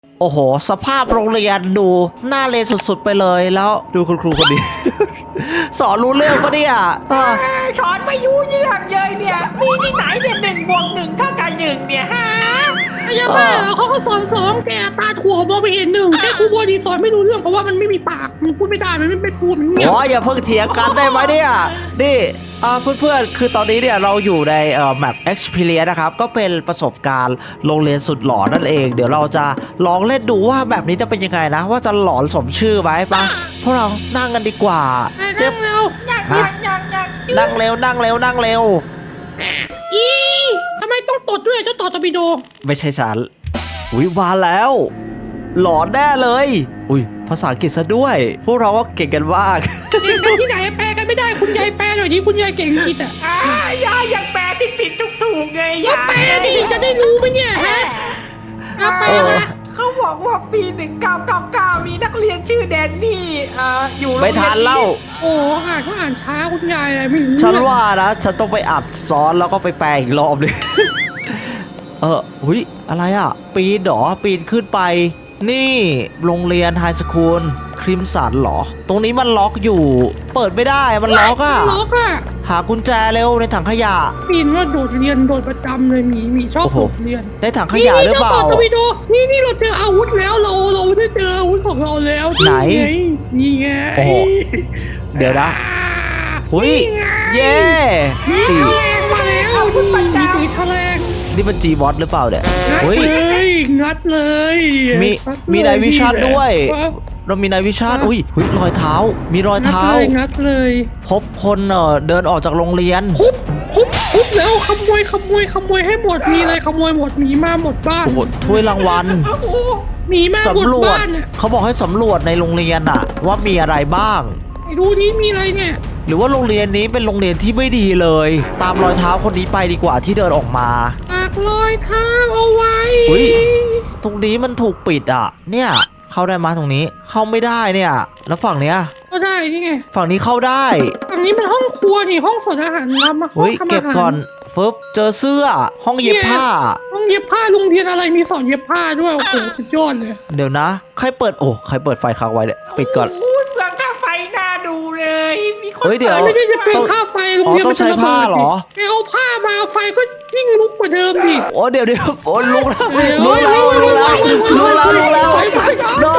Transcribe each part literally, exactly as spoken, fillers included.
โอ้โหสภาพโรงเรียนดูน่าเรียนสุดๆไปเลยแล้วดูคุณครูคนนี้ สอนรู้เรื่องปะเนี่ยเออสอนไม่ยุ่งเรื่องเลยเนี่ยมีที่ไหนเนี่ยหนึ่งบวกหนึ่งเท่ากับหนึ่งเนี่ยฮะไอ้ยาบ้าเหรอเขาก็สอนสองแกตาถั่วมองไปเห็นหนึ่งแค่ครูบอดีสอนไม่รู้เรื่องเพราะว่ามันไม่มีปากมันพูดไม่ได้มันไม่ไม่พูดมันเงียบโอ้ยอย่าเพิ่งเถียงกันได้ไหมเนี่ยนี่อ่าเพื่อนๆคือตอนนี้เนี่ยเราอยู่ในเอ่อ map experience นะครับก็เป็นประสบการณ์โรงเรียนสุดหลอนนั่นเองเดี๋ยวเราจะลองเล่นดูว่าแบบนี้จะเป็นยังไงนะว่าจะหลอนสมชื่อไหมปะพวกเรานั่งกันดีกว่าเจ็บแล้วยังยังยังยังนั่งเร็วนั่งเร็วนั่งเร็วอีทำไมต้องตดด้วยเจ้าต่อตบิโดไม่ใช่ฉันอุ้ยมาแล้ว หลอนแน่เลยอุ้ยภาษาอังกฤษซะด้วย พวกเราก็เก่งกันมากเก่งกันที่ไหนแปลกันไม่ได้คุณยายแปลหน่อยดิคุณยายเก่งอังกฤษอ่ะอ่ายายยังแปลผิดผิดถูกถูกๆไงก็ยายแปลดิจะได้รู้ไหมเนี่ยฮะเอาแปลมาเขาบอกว่าปีหนึ่งเก้าเก้าเก้ามีนักเรียนชื่อแดนนี่เอ่ออยู่โรงเรีไม่ยนทันเล่าโอ้อ่านเขาอ่านช้าคุณยายอะไรไม่รู้ฉันว่านะ ฉันต้องไปอัดซ้อนแล้วก็ไปแปลอีกรอบหนึง เออหุยอะไรอ่ะ ปีนเหรอปีนขึ้นไป นี่โรงเรียนไฮสคูลคริมสันเหรอ ตรงนี้มันล็อกอยู่ เปิดไม่ได้มันล็อกอ่ะล็อกอ่ะหากุญแจเร็วในถังขยะปีนว่าโดดเรียนโดดประจำเลยหมีหมีชอบโอ้โหโดดเรียนในถังขยะหรือเปล่านี่นี่จ้ต่อตบิโดนี่นี่เราเจออาวุธแล้วเราเราได้เจออาวุธของเราแล้วไหนนี่ไงโอ้โห เดี๋ยวนะอ่าหุยนี่ไงเย่มีตีแถลงมาแล้วมีมีแถลงนี่มันจีบอสหรือเปล่าเนี่ยงัดหุยเลยงัดเลยมีงัดเลยมีนายวิชาญด้วยงัดเรามีนายวิชาญอุ้ยหุยรอยเท้า มีรอยเท้าเลยงัดเลยพบคนเอ่อเดินออกจากโรงเรียนคุบคุบคุบแล้วขโมยขโมยขโมยให้หมดมีอะไรขโมยหมดหมีมาหมดบ้านโอ้โหถ้วยรางวัลโอ้โหหมีมาหมดสำรวจบ้านอ่ะเขาบอกให้สำรวจในโรงเรียนอะว่ามีอะไรบ้างไอ้ดูนี่มีอะไรเนี่ยหรือว่าโรงเรียนนี้เป็นโรงเรียนที่ไม่ดีเลย ตามรอยเท้าคนนี้ไปดีกว่าที่เดินออกมาปากรอยเท้าเอาไว้อุ๊ย ตรงนี้มันถูกปิดอะเนี่ยเข้าได้มาตรงนี้เข้าไม่ได้เนี่ย แล้วฝั่งเนี้ยก็ได้นี่ไงฝั่งนี้เข้าได้ฝั่งนี้มันห้องครัวนี่ห้องสอนอาหารทำมาห้องเฮ้ยทำอาหารเก็บก่อนฟึบเจอเสื้อ ห้องเย็บผ้าห้องเย็บผ้าโรงเรียนอะไรมีสอนเย็บผ้าด้วยโอ้โหสุดยอดเลยเดี๋ยวนะ ใครเปิดโอ้ใครเปิดไฟค้างไว้เนี่ยปิดก่อนโอ้ยเปลืองค่าไฟน่าดูเลยมีคนเฮ้ยเดี๋ยวปิไม่ได้จะเป็นค่าไฟโรงเรียนอ๋อต้องใช้ผ้าเหรอแกเอาผ้ามาไฟก็ยิ่งลุกกว่าเดิมดิโอ้เดี๋ยวเดี๋ยวโอ้ลุกแล้วลุกแล้วลุกแล้วลุกแล้วลุกแล้ว no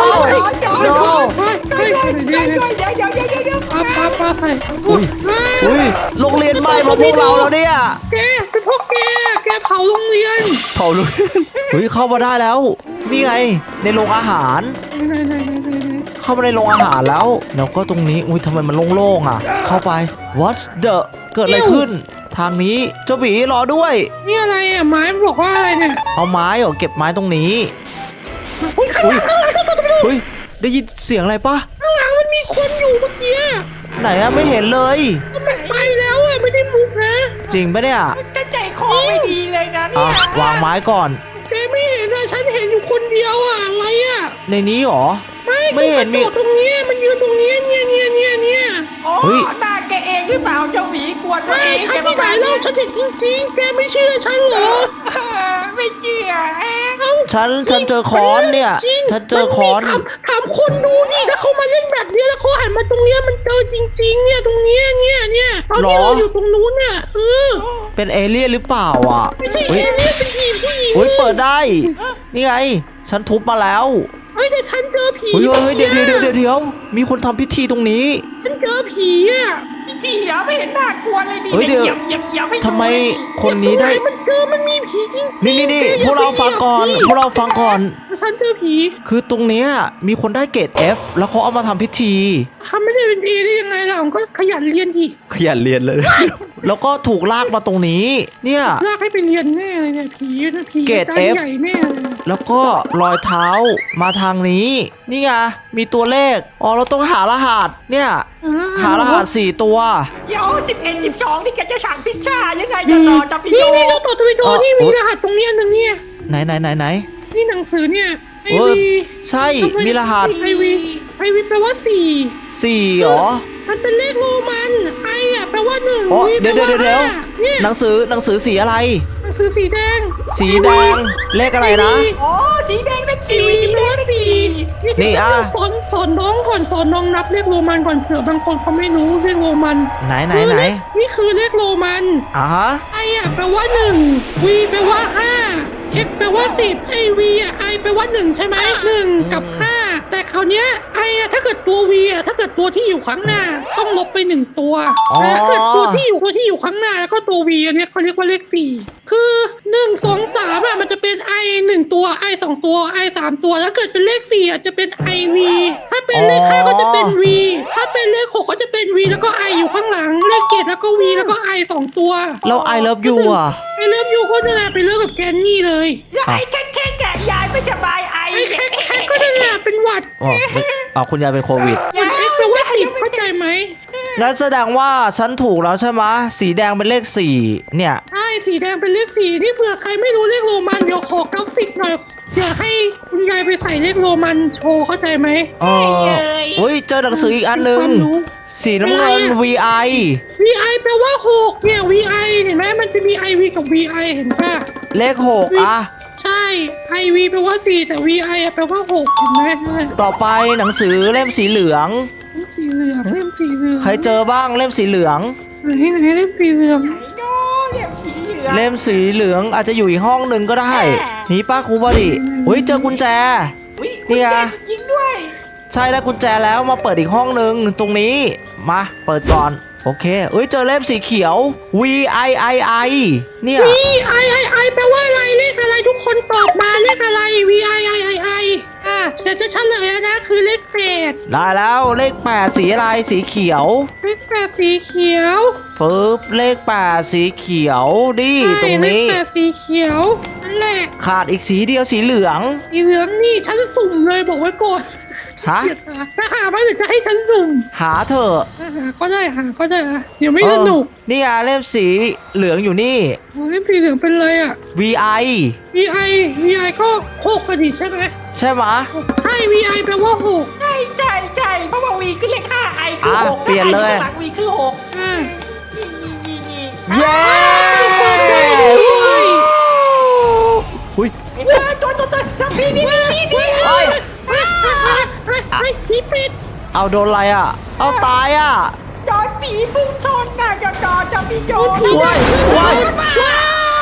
no เฮ้ยเฮ้ยเดี๋เดี๋ยยว วเดี๋ยวเดี๋ยวเดี๋ยวเดี๋ยวเดี๋ยวปาปาปาใส่อุ้ยอุ้ยโรงเรียนไหม้มาพวกเราแล้วเนี่ยแกเป็นพวกแกแกเผาโรงเรียนเผาลุกเฮ้ยเข้ามาได้แล้ว นี่ไงในโรงอาหารไหนไหนไหนไหนไหนเข้ามาในโรงอาหารแล้ว แล้วก็ตรงนี้ อุ้ยทำไมมันโล่งๆอ่ะ เข้าไป what the เกิดอะไรขึ้น ทางนี้ เจ้าบีรอด้วยนี่อะไรอ่ะไม้มันบอกว่าอะไรเนี่ยเอาไม้เหรอ เก็บไม้ตรงนี้อุ้ยข้างหลังข้างหลังข้างหลังเฮ้ย ได้ยินเสียงอะไรปะข้างหลังมันมีคนอยู่เมื่อกี้ไหนอะไม่เห็นเลยมันไปแล้วอ่ะไม่ได้มุกนะจริงปะเนี่ยจะใจคอไม่ดีเลยนะเนี่อ่ะยวางไม้ก่อนแกไม่เห็นอ่ะฉันเห็นอยู่คนเดียวอ่ะอะไรอ่ะในนี้เหรอไม่ไม่เห็นมีมีตรงเนี้ยมันยืนตรงเนี้ยเนี่ยเนี่ยเนี่ยเนี่ยโอ้เฮ้ยหน้าแกเองหรือเปล่าเจ้าหมีกวนตัวไม่เองฉันที่ไหนเล่าฉันเห็นจริงๆแกไม่เชื่อฉันเหรอไม่เชื่อเอ๊ะเอ้าฉันฉันเจอค้อนเนี่ยจริงฉันเจอค้อนมัมีถามถามคนดูดิถ้าเขามาเล่นแบบเนี้ยแล้วเขาหันมาตรงเนี้ยมันเจอจริง ๆ เนี่ยตรงเนี้ยเนี่ยเนี่ยตอนที่หรอเราอยู่ตรงนู้นเนี่ยเออเป็นเอเลี่ยนหรือเปล่าอ่ะไม่ใช่เฮ้ยเอเลี่ยนเป็นผีผู้หญิงเฮ้ยเปิดได้ นี่ไง ฉันทุบมาแล้วเฮ้ยแต่ฉันเจอผีเฮ้ยเฮ้ยเดี๋ยวเดี๋ยวเดี๋ยวเดี๋ยวเดี๋ยวมีคนทำพิธีตรงนี้ฉันเจอผีอ่ะพี่เถียไม่เห็นน่ากลัวเลยดิเฮ้ยเดี๋ยวเหยียบเหยียบเหยียบให้ทำไมคนนี้ได้มันเจอมันมีผีจริงๆนี่นี่นี่แกพวกเราฟังก่อนย่าไปพวกเราฟังก่อนฉันเจอผีคือตรงเนี้ยมีคนได้เกรด F แล้วเขาเอามาทำพิธีทำไม่ได้เป็นเอได้ยังไงล่ะผมก็ขยันเรียนทีขยันเรียนเลย แล้วก็ถูกลากมาตรงนี้ เนี่ยลากให้ไปเรียนแน่เลยเนี่ยผีนะผีเกรดตา F ใหญ่แน่เลยแล้วก็รอยเท้ามาทางนี้ นี่ไง มีตัวเลข อ๋อ เราต้องหารหัส เนี่ย หารหัสสี่ตัวเดี๋ยวสิบเอ็ดสิบสองนี่แกจะสั่งพิซซ่ายังไงจะต่อจะพี่โยนี่นี่เจ้าต่อทวิโดเอ่อนี่มีรหัสตรงเนี้ยหนึ่งเนี่ยไหนไหนไหนไหนนี่หนังสือเนี่ยไอเออวีใช่ มีรหัสไอวีไอวีแปลว่าสี่สี่เหรอมันเป็นเลขโรมันไออ่ะแปลว่าหนึ่งอ๋อวีเดี๋ยวแปลเดี๋ยวเดี๋ยวห้าเนี่ยหนังสือหนังสือสีอะไรหนังสือสือสีแดงสีแดงเลขอะไรนะโอ้สีแดงเลขสีสี่สีแปแดลงว่าเลขสี่สี่นี่อ่ะสอนสอนน้องก่อนสอนน้องนับเลขโรมันก่อนเผื่อบางคนเขาไม่รู้เลขโรมันไหนไหนคือไหนเลขนี่คือเลขโรมันอ่ะฮะไออ่ะแปลว่าหนึ่งวีแปลว่าห้าเอ็กแปลว่าสิบไอวีอ่ะไอแปลว่าหนึ่งใช่ไหมหนึ่งกับห้าแต่คราวเนี้ยไออ่ะถ้าเกิดตัววีอ่ะถ้าเกิดตัวที่อยู่ข้างหน้าต้องลบไปหนึ่งตัวแต่ถ้าเกิดตัวที่อยู่ตัวที่อยู่ข้างหน้าแล้วก็ตัววีอันเนี้ยเขาเรียกว่าเลขสี่คือหนึ่งสองสามอ่ะมันจะเป็นไอหนึ่งตัวไอสองตัวไอสามตัวถ้าเกิดเป็นเลขสี่อ่ะจะเป็นไอวีถ้าเป็นเลขห้าก็จะเป็นวีถ้าเป็นเลขหกก็จะเป็นวีแล้วก็ไออยู่ข้างหลังเลขเจ็ดแล้วก็วีแล้วก็ไอสองตัวเรา I love you อ่ะไปเริ่มอยู่ก็นั่นแหละไปเริ่มกับแกนนี่เลยยายแค่แค่แกยายไม่สบายไอไอ้แค่แค่ก็นั่นแหละเป็นหวัดอ๋อไม่อ๋อคุณยายเป็นโควิดมันเอ็กซ์แปลว่าสิบเข้าใจไหมงั้นแสดงว่าฉันถูกแล้วใช่ไหมสีแดงเป็นเลขสี่เนี่ยใช่สีแดงเป็นเลขสี่นี่เผื่อใครไม่รู้เลขโรมันเดี๋ยวขอกราฟิกหน่อยเดี๋ยวให้คุณยายไปใส่เลขโรมันโชว์เข้าใจไหมเอออุ้ยเจอหนังสืออีกอันหนึ่งความรู้สีน้ำเงิน วี ไอวี ไอ แปลว่าหกเนี่ย วี ไอ เห็นไหมมันจะมี ไอ วี กับ วี ไอ เห็นป่ะเลขหกอ่ะใช่ ไอ วี แปลว่าสี่แต่ วี ไอ แปลว่าหกเห็นไหมนั่นแหละต่อไปหนังสือเล่มสีเหลืองเล่มสีเหลืองเล่มสีเหลืองใครเจอบ้างเล่มสีเหลืองไหนไหนเล่มสีเหลืองไอ้โน่เรียบสีเหลืองเล่มสีเหลืองอาจจะอยู่อีกห้องหนึ่งก็ได้นี่ป้าครูบอดีอุ้ยเจอกุญแจอุ้ยนี่ไงจริงๆด้วยใช่ได้กุญแจแล้วมาเปิดอีกห้องหนึ่งตรงนี้มาเปิดก่อนโอเคเอ้ยเจอเล่มสีเขียว V I I I เนี่ยวี ไอ ไอ ไอ แปลว่าอะไรเลขอะไรทุกคนตอบมาเลขอะไร วี ไอ ไอ ไอ ไอ อ่ะเดี๋ยวจะเฉลยแล้วนะคือเลขแปดได้แล้วเลขแปดสีอะไรสีเขียวเลขแปดสีเขียวฟึบเลขแปดสีเขียวดิตรงใช่เลขนี้แปดสีเขียวนั่นแหละขาดอีกสีเดียวสีเหลืองสีเหลืองนี่ฉันสุ่มเลยบอกไว้ก่อนฮะเกลียดหาถ้าหาไม่หรือจะให้ฉันสุ่มหาเถอะถ้าหาก็ได้หาก็ได้อะเดี๋ยวไม่สนุกเออนี่ไงเล่มสีเหลืองอยู่นี่โอ้เล่มสีเหลืองเป็นเลยอ่ะ V I วี ไอ วี ไอ ก็หกกันดิใช่ไหมใช่ไหมะใช่ วี ไอ แปลว่าหกใช่ใช่ใช่เพราะว่าวีคือเลขห้าไอคืออ่ะหกเปลี่ยนเลยหลังวีคือหกอ่านี่นี่นี่นี่เย้เปิดได้ด้วยอุ้ยไอ้เจ้าตัวตัวตัวตัวพี่นี่พี่พี่เฮ้ยเฮ้ยเฮ้ยเฮ้ยผีเป็ดเอาโดนอะไรอ่ะ เอาตายอ่ะจอดผีพุ่งชนน่ะจอดจอดจอดพี่โจว้ายว้ายว้าย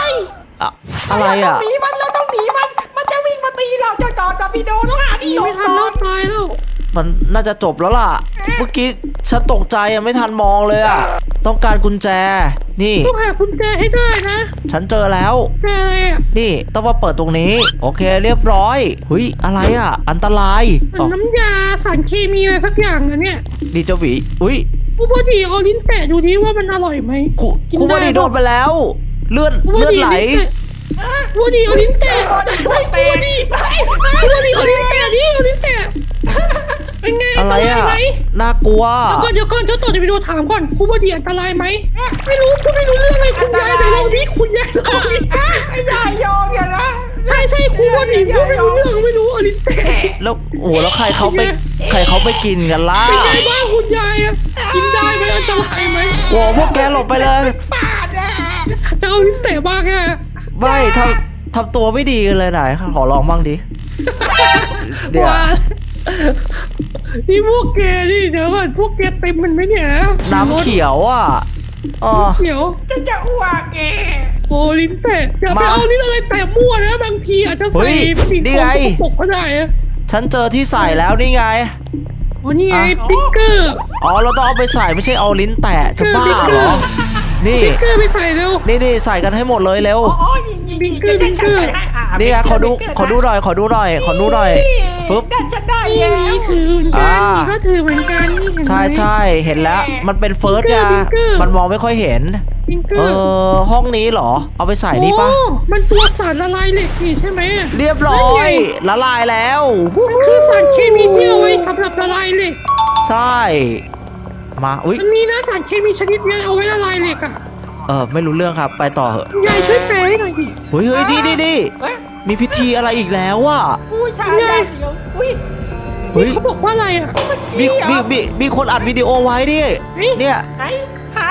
อะอะไรอ่ะเราต้องหนีมันเราต้องหนีมันมันจะวิ่งมาตีเราจอดจอดจอดพี่โดต้องหาที่หลไม่บทันก่แล้อวน ตายแล้วมันน่าจะจบแล้วล่ะ เมื่อกี้ฉันตกใจอ่ะไม่ทันมองเลยอ่ะ ต้องการกุญแจ นี่ต้องหากุญแจให้ได้นะฉันเจอแล้วแจอะไรอ่ะนี่ต้องมาเปิดตรงนี้ โอเคเรียบร้อยหุยอะไรอ่ะ อันตรายเหมืออ๋อนน้ำยาสารเคมีอะไรสักอย่างนะเนี่ยดีเจ้าหวีอุ้ยผู้บดีเอาลิ้นแตะดูดิว่ามันอร่อยไหมครูกินครูบได้ดีโดนไปแล้ว เลือดผู้บเลือดดีไหลลิ้นแตะผู้บดีเอาลิ้นแตะผู้บดีผู้บดีเอาลิ้นแตะดิเอาลิ้นแตะเป็นไงอัอะนไรตรายอ่ะไหมน่ากลัวเดี๋ยวก่อนเดี๋ยวก่อนเจ้าต่อจะไปดูถามก่อนผู้บดีอันตรายไหมไม่รู้คุณไม่รู้เรื่องเลยคุณยายเดี๋ยวเราดิคุณยายเราดิไอ้ยายยอมอย่างนะใช่ใช่ครูบดีพูดไม่รู้เรื่องไม่รู้เอาลิ้นแตะแล้วโอ้โหแล้วใครเขาไปใครเขาไปกินกันล่ะเป็นไงบ้างคุณยายอะกินได้ไหมอันตรายไหมโอ้โหพวกแกหลบไปเลยปาดอ่ะจะเอาลิ้นแตะบ้างอะไม่ทำทำตัวไม่ดีกันเลยไหนขอลองบ้างดิ เดี๋ยวานี่พวกแกนี่เดี๋ยวก่อนพวกแกเต็มมันไหมเนี่ยน้ำเขียวอ่ะอ๋อน้ำเขียวจะจะอ้วกแกโอ้ลิ้นแตะอย่าไปมาเอาลิ้นอะไรแตะมั่วนะบางทีอาจจะเฮ้ใส่ยสิ่งนี่ของไงสกปรกก็ได้อะฉันเจอที่ใส่แล้วนี่ไงโอ้นี่ไงอ่ะปิ๊กเกอร์อ๋อเราต้องเอาไปใส่ไม่ใช่เอาลิ้นแตะจะบ้าบิ๊กเกเหรออร์นี่ปิ๊กเกอร์ไปใส่เร็วนี่นี่ใส่กันให้หมดเลยเร็วอ๋อยิงยิงบิงเกอร์บิงเกอร์นี่ไงขอดูขอดูหน่อยขอดูหน่อยขอดูหน่อยฟึบได้ฉันได้นี่แล้วนี่ถือเหมือนกันอ่านี่ก็ถือเหมือนกันนี่เห็นไหมใช่ใช่เห็นแล้วมันเป็นเฟิร์สไงบิ๊กเกอร์มันมองไม่ค่อยเห็นปิ๊กเกเออร์อห้องนี้เหรอ เอาไปใส่นี่ปะโอ้มันตัวสารละลายเหล็กนี่ใช่ไหมเรียบร้อย ละลายแล้วมันคือสารเคมีที่เอาไว้สำหรับละลายเหล็กใช่ มาอุ้ยมันมีนะสารเคมีชนิดเนี้ยเอาไว้ละลายเหล็กอ่ะเออไม่รู้เรื่องครับไปต่อเหอะยายช่วยแปลให้หน่อยดิเฮ้ยเฮ้ยดีดีดีเอ้ยมีพิธีอะไรอีกแล้วอ่ะผู้ชายได้เดียวอุ้ยเฮ้ยเขาบอกว่าอะไรอ่ะมีมีมีมีคนอัดวิดีโอไว้ดิเฮ้ยเนี่ยไหนหา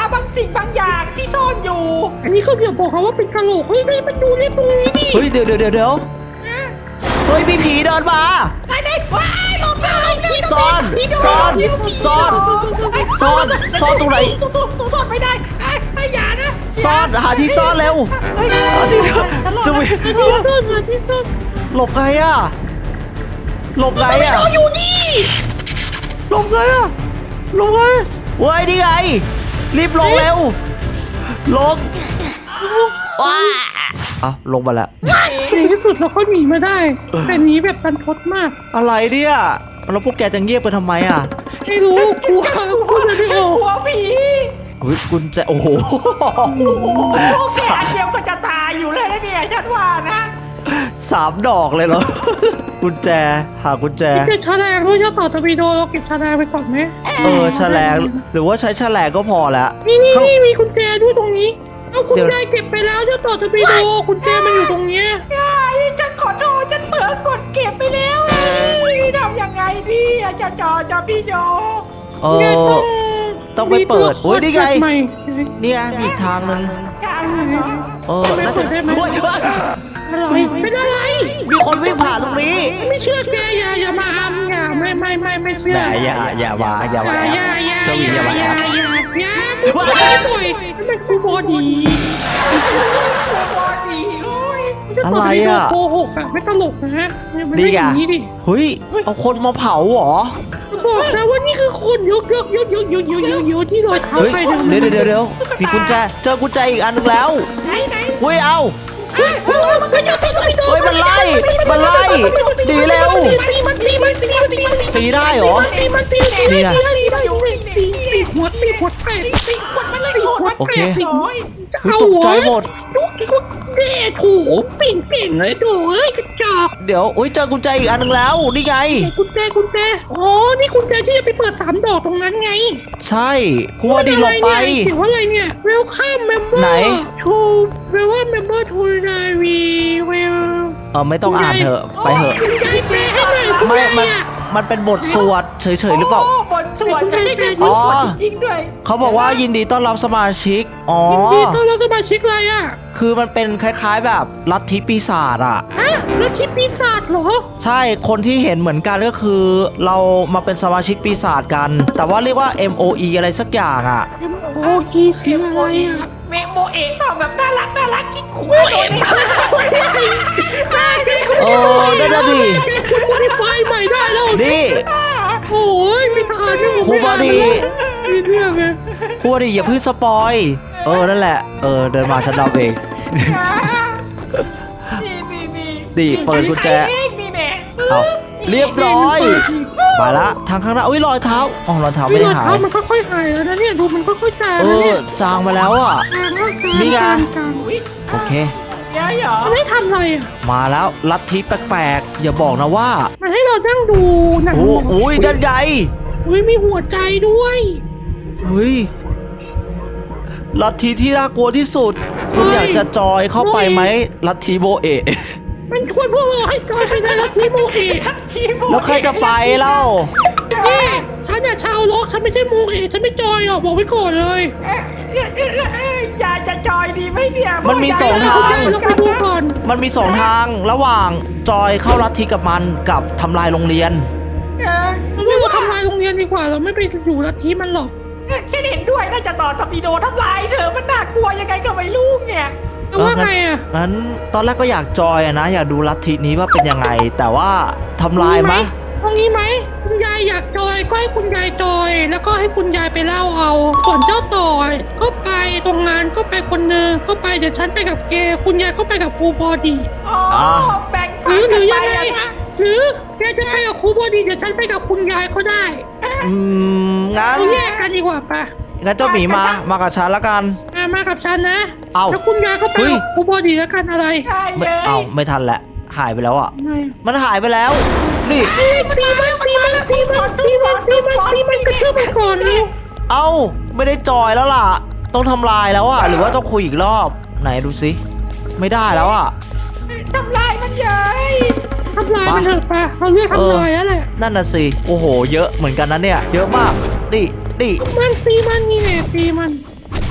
บางสิ่งบางอย่างที่ซ่อนอยู่อันนี้เขาเดี๋ยวบอกเขาว่าเป็นกะโหลกเฮ้ยได้มาดูเรื่องตรงนี้ดิเฮ้ยเดี๋ยวเดี๋ยวเดี๋ยวเดี๋ยวเฮ้ยมีผีเดินมาไอ้ไหนว้ายหลบเลยซ่อนซ่อนซ่อนซ่อนซ่อนตรงไหนตัวตัวตัวซ่อนไม่ได้ไอ้ไอ้อย่านะซ่อนหาที่ซ่อนเร็วเฮ้ยหาที่ซ่อนจะมีอันนี้ซ่อนมาที่ซ่อนหลบไงอะหลบไงอะเราอยู่นี่หลบไงอะหลบไงเว้ยนี่ไงรีบลงเร็วลงว้าอ่ะลงมาแล้วในที่สุดเราก็หนีมาได้แต่หนีแบบตันทดมากอะไรเนี่ยแล้วพวกแกจะเงียบไปทำไมอ่ะไม่รู้กลัวพูดไม่ฉัอน อกกลัวผีเฮ้ยกุญแจโอ้โหโอ้แค่อันเดียวก็จะตายอยู่เลยนะเนี่ยฉันว่านะสามดอกเลยเหรอ กุญแจหากุญแจเก็บแฉลงด้วยเจ้าต่อตะวีโดเราเก็บแฉลงไปก่อนไหมเออแฉลงหรือว่าใช้แฉลงก็พอแล้วนี่นี่ข้างนี่มีกุญแจด้วยตรงนี้เอาคุณเดี๋ยวยายเก็บไปแล้วเจ้าต่อตะวีโดกุญแจมันอยู่ตรงเนี้ยไอ้ฉันขอโทษฉันเผลอกดเก็บไปแล้วไอ้ทำยังไงดีอะจะจอจะพี่โจเออ ต้องไปเปิดโอ้ยนี่ไงใหม่เนี่ยมีอีกทางหนึ่งจ้าเออน่าจะเฮ้ยเฮ้ยอะไรเป็นอะไรมีคนวิ่งผ่านตรงนี้ไม่เชื่อแกอย่าอย่ามาอำอย่าไม่ไม่ไม่ไม่เชื่อแต่อย่าอย่ามาอย่ามาอย่าอย่าเจ้าหญิงอย่ามาอย่าอย่าอย่าไม่ปล่อยไม่ปล่อยไม่คูบอดีบอดีโอ้ยอะไรอ่ะโกหกอ่ะไม่ตลกนะไม่นี่ได้อไงย่างนี้ดิเฮ้ยเอาคนมาเผาเหรอบอกนะว่านี่คือคนยกยกยกยกยกยกยกยกที่ลอยเท้าเฮ้ยไปเดี๋ยวเดี๋ยวเดี๋ยวมีกุญแจเจอกุญแจอีกอันหนึงแล้วไหนไหนเฮ้ยเอาเฮ้ยมันก็จะตีมันเฮ้ยมันไล่มันไล่หนีเร็วตีมันตีมันตีมันตีมันตีได้เหรอตีมันตีตีนี่นะตีตีตีตีหัวตีหัวแตกตีขวดมันเลยโหดโอเคโอ้ยเฮ้ยตกใจหมดทุกทุกเด็ดถูเป่งเป่งเลยดูเอ้ยกระจอกเดี๋ยวอุ้ยเจอกุญแจอีกอันหนึงแล้วนี่ไงกุญแจกุญแจอ๋อนี่กุญแจที่จะไปเปิดสามดอกตรงนั้นไงใช่ครูว่าดีหลบไปเขียนว่าอะไรเนี่ย Welcome member ไหน to Welcome member to Navy Well เออไม่ต้องอ่านเถอะไปเถอะคุณยายแปลให้หน่อยคุณไม่ยายมันอะมันเป็นบทสวดเฉยๆหรือเปล่าโบนสวดจะได้เป็นบอ๋ทอสวดจริงๆด้วยเขาบอกว่ายินดีต้อนรับสมาชิกอ๋อยินดีต้อนรับสมาชิกอะไรอ่ะคือมันเป็นคล้ายๆแบบลัทธิปีศาจอ่ะฮะแล้วที่ปีศาจเหรอใช่คนที่เห็นเหมือนกันก็คือ เรามาเป็นสมาชิกปีศาจกัน แต่ว่าเรียกว่า เอ็ม โอ อี อะไรสักอย่างอ่ะ M O E คืออะไรอ่ะเมโมเอะเปล่าแบบน่ารักน่ารักกิ๊กขู่โอ้ยตัวเอ็มนี้โอ้ได้แล้วดิคุณโมดิฟายใหม่ได้แล้วนี่โอ้ยไม่ทานนี่ผมครูบอดีมีเรื่องไงครูว่าดิอย่าเพิ่งสปอยเออนั่นแหละเออเดินมาฉันเดาเองนี่นี่นี่ดิเปิดกุญแจนี่แน่เอาเรียบร้อยไปละทางข้างหน้าอุ้ยรอยเท้าอ๋อรอยเท้าไม่ไม่ได้ได้หาเท้าย มันค่อยๆหายแล้วนะเนี่ยดูมันค่อยๆจางเอแล้วอเนี่ยจางมาแล้วอ่ะจางแล้วจางนี่ไงจางจางอุ๊ยโอเคเดี๋ยวเหรอมันให้ทำอะไรอ่ะมาแล้วลัทธิแปลกๆ อย่าบอกนะว่ามันให้เรานั่งดูหนังโอ้โอ้ยด้านใหญ่อุ้ยมีหัวใจด้วยเฮ้ยลัทธิที่น่ากลัวที่สุด คุณอยากจะจอยเข้าไปไหมลัทธิโบเอะมันชวนพวกเราให้จอยไปในลัทธิโมเอะทีโมแล้วใครจะไปเล่าเอ๊ะฉันอะชาวล็อกฉันไม่ใช่โมเอะฉันไม่จอยหรอกบอกไว้ก่อนเลยเอ๊ะเอ๊ะเอ๊ะเอ๊ะอยากจะจอยดีไหมเนี่ยมันมีสองทางเดี๋ยวเราไปดูก่อนมันมีสองทางระหว่างจอยเข้าลัทธิกับมันกับทำลายโรงเรียนเออเราว่าเราทำลายโรงเรียนดีกว่าเราไม่ไปอยู่ลัทธิมันหรอกเอ๊ะฉันเห็นด้วยน่าจะต่อทอร์ปิโดทำลายเธอมันน่ากลัวยังไงก็ไม่รู้เนี่ยเอาว่าไงอะงั้นตอนแรกก็อยากจอยอะนะ อยากดูลัทธินี้ว่าเป็นยังไง แต่ว่าทำลายไหมตรงนี้ไหมคุณยายอยากจอยก็ให้คุณยายจอย แล้วก็ให้คุณยายไปเล่าเอาส่วนเจ้าต่อก็ไปตรงงานก็ไปคนหนึงก็ไปเดี๋ยวฉันไปกับแกคุณยายก็ไปกับครูบอดีอ๋อแบ่งหฝัรืนอหกัรืนอไปยังไงอะนะหรือแกจะไปกับครูบอดีเดี๋ยวฉันไปกับคุณยายก็ได้อืมงั้นเราแยกกันดีกว่าปะงั้นเจ้าหมีมามากับฉันละกันอ่ะมากับฉันนะเอาแล้วคุณยายก็ไปเฮ้ยกับครูบอดีแล้วกันอะไรใช่ไม่เลยเอาไม่ทันแหละหายไปแล้วอ่ะไงมันหายไปแล้ว นี่เอ้ยตีมันตีมันตีมันตีมันตีมันตีมันกระเทือบมันก่อนเลยเอ้าไม่ได้จอยแล้วล่ะ ต้องทำลายแล้วอ่ะ หรือว่าต้องคุยอีกรอบ ไหนดูสิไม่ได้แล้วอ่ะทำลายมันเย้ยทำลายมันเถอะปะเราเลือกทำลายแล้วแหละนั่นน่ะสิโอ้โห เยอะเหมือนกันนะเนี่ย เยอะมากนี่นี่มันตีมันนี่แหละตีมัน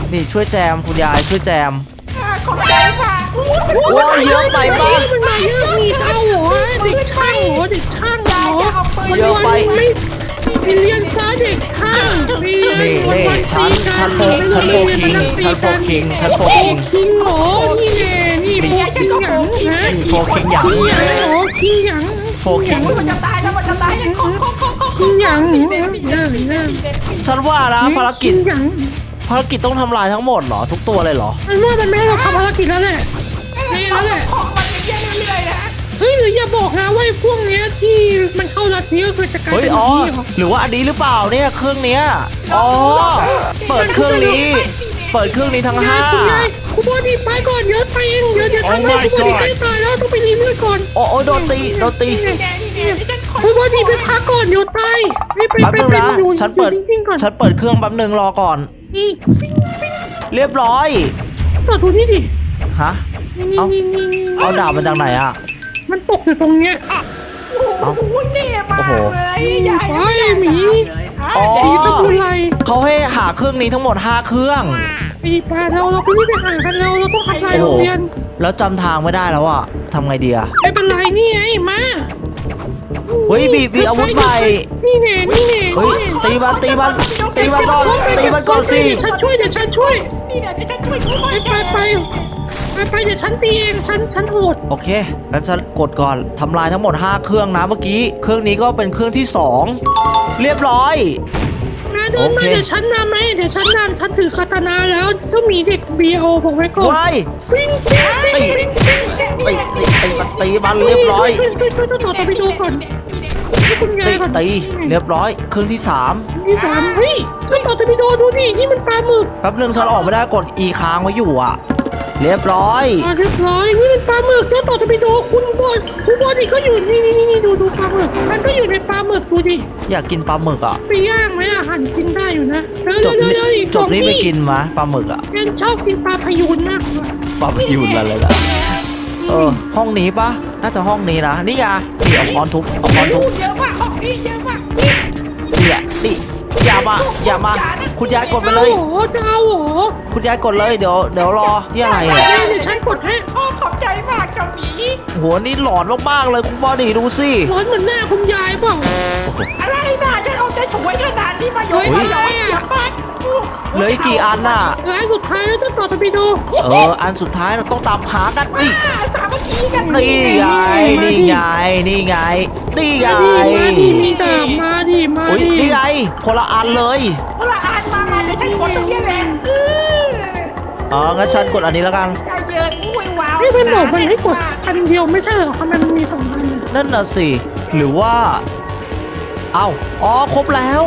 นี่ช่วยแจมคุณยายช่วยแจมอ่าขอบใจค่ะอู้โอ้ยเยอะไปปะมันมาเยอะมีเจ้าเหรอเด็กช่างเหรอเด็กช่างเหรอจะเอาปืนเยอะไปไม่ไปเรียนซะเด็กช่างไปเรียนนี่นี่วัๆฉันตีกัฉันโฟฉันโฟคิงฉันโฟคิงฉันโฟโฟคิงคิงเหรอนี่แน่นี่โฟคิงหยังฮะนี่โฟคิงหยังคิงหยังเหรอคิงหยังโฟคิงอุ๊ยมันจะตายแล้วมันจะตายแล้วขอขอขอขอคิงหยังมีเนเด็กมีเด็กมีเด็กมีเด็กมีเด็กฉันว่านะภารกิจคิงหยังภารกิจต้องทำลายทั้งหมดเหรอทุกตัวเลยเหรอมันว่ามันไม่ให้เราทำภารกิจแล้วแหละนี่แล้วแหละของมันเยอะๆเรื่อยๆนะเฮ้ยหรืออย่าบอกนะว่าไอ้พวกเนี้ยที่มันเข้าลัทธิก็คือจะกลายเฮ้ยเป็นอ๋อนี้เหรอหรือว่าอันนี้หรือเปล่าเนี่ยเครื่องเนี้ยอ๋อเปิดเครื่องนี้ เปิดเครื่องนี้ทั้งห้าคุณยายคุณบอดีไปก่อนเดี๋ยวไปเองเดี๋ยวเดี๋ยวทำให้คุณบอดีใกล้ตายแล้วต้องไปรีเลือดก่อนโอ้โอ้โดนตีโดนตีนี่แน่นี่แน่ที่ฉันขอคุณบอดีไปพักก่อนเดี๋ยวตายไปไปแป๊บไปนึงไปนะอยู่ฉันเปิดอยู่นิ่งๆก่อนฉันเปิดเครื่องแป๊บนึงรอก่อนนี่ฟิ้งฟิ้งเรียบร้อยต่อดูนี่ดิฮะนี่นี่เอ้านี่นี่นี่เอาดาบมาจากไหนอ่ะมันตกอยู่ตรงเนี้ยโอ้โหเท่มากเลยยายโอ้ยหมีอ๋อสีสกุลไรเขาให้หาเครื่องนี้ทั้งหมดห้าเครื่องไปดีปลาเราเราไปรีบไปหากันเราเราต้องทำลายโอ้โรโหงเรียนแล้วจำทางไม่ได้แล้วอ่ะทำไงดีอ่ะไม่เป็นไรนี่ไงมาเฮ้ยมีมีอาวุธใหม่นี่แน่นี่แน่เฮ้ยตีมันตีมันตีมันก่อนตีมันก่อนสิเดี๋ยวฉันช่วยเดี๋ยวฉันช่วยนี่แน่ที่ฉันช่วยช่วยไปไปไปไปไปเดี๋ยวฉันตีเองฉันฉันโหดโอเคงั้นฉันกดก่อนทำลายทั้งหมดห้าเครื่องนะเมื่อกี้ เครื่องนี้ก็เป็นเครื่องที่สองเรียบร้อยมาเดินมาโอเคเดี๋ยวฉันนำไหมเดี๋ยวฉันนำฉันถือคาตานาแล้วเจ้าหมีเด็กบีโอผมไว้ก่อนว้ายฟิงฟิงฟิงตีฟิงตีตีตีมันตีมันเรียบร้อยช่วยช่วยช่วยต้องต่อตะไปดูก่อนให้คุณยาตียก่อนตีเรียบร้อยเครื่องที่สามที่สามเฮ้ยต้องต่อตะไปดูดูนี่นี่มันปลาหมึกแป๊บนึงฉันออกไม่ได้กด E ค้างไว้อยู่อ่ะ เรียบร้อยอ่าเรียบร้อยนี่มันปลาหมึกต้องต่อตะไปดูคุณบอลคุณบอลนี่ก็อยู่นี่นี่นี่ดูดูปลาหมึกมันก็อยู่ในปลาหมึกดูดิอยากกินปลาหมึกอ่ะไปย่างไหมอ่ะหั่นกินได้อยู่นะเดี๋ยวจบเดี๋ยวนี้เดี๋ยวอีกจบนี้สองไปกินมะปลาหมึกอ่ะฉันชอบกินปลาพยูนมากกว่าปลาพยูนอะไรล่ะเออห้องนี้ปะน่าจะห้องนี้นะนี่ไงนี่เอาค้อนทุบเอาค้อนทุบเยอะมากของพี่เยอะมากเนี่ยนี่อย่ามาอย่ามาคุณยายกดไปเลยเอาเหรอจะเอาเหรอคุณยายกดเลยเดี๋ยวเดี๋ยวรอที่อะไรอ่ะเดี๋ยวเดี๋ยวฉันกดให้โอ้ขอบใจมากเจ้าหมีโหนี่หลอนมากๆเลยคุณบอดี้ดูสิร้อนเหมือนหน้าคุณยายเปล่าอะไรนะฉันเอาใจช่วยขนาดนี้มาโยนมาโยนอย่าไปเหลืออีกกี่อันน่ะร้านสุดท้ายแล้วต้องต่อตะไปดูเอออันสุดท้ายเราต้องตามหากันนี่สามัคคีกันนี่ไงนี่ไงนี่ไงนี่ไงมาดิมาดิมีดาบมาดิมาอุ้ยดินี่ไงคนละอันเลยเอาละอ่านมามาเดี๋ยวฉันกดตรงนี้แหละเอออ๋องั้นฉันกดอันนี้แล้วกันใจเย็นอุ้ยว้าวไม่เป็นบอกไปให้กดอันเดียวไม่ใช่เหรอทำไมมันมีสองอันอะนั่นน่ะสิหรือว่า เอ้าอ๋อครบแล้ว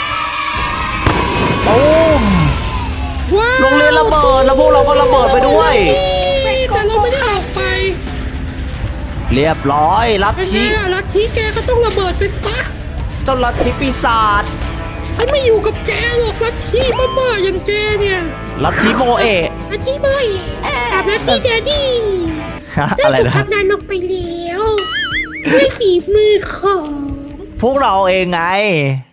โอ้มว้าวโรงเรียนระเบิดแล้วพวกเราก็ระเบิดไปด้วยแต่เราไม่ได้ออกไปเรียบร้อยลัทเป็นไงธิล่ะลัทธิแกก็ต้องระเบิดไปซะเจ้าลัทธิปีศาจฉันไม่อยู่กับแกหรอกลัทธิบ้าๆอย่างแกเนี่ยลัทธิโมเอะลัทธิบอยกับลัทธิแดดดี้ฮะได้อะไรถูกนะทำงานลงไปแล้วด้วยฝีมือของพวกเราเองไง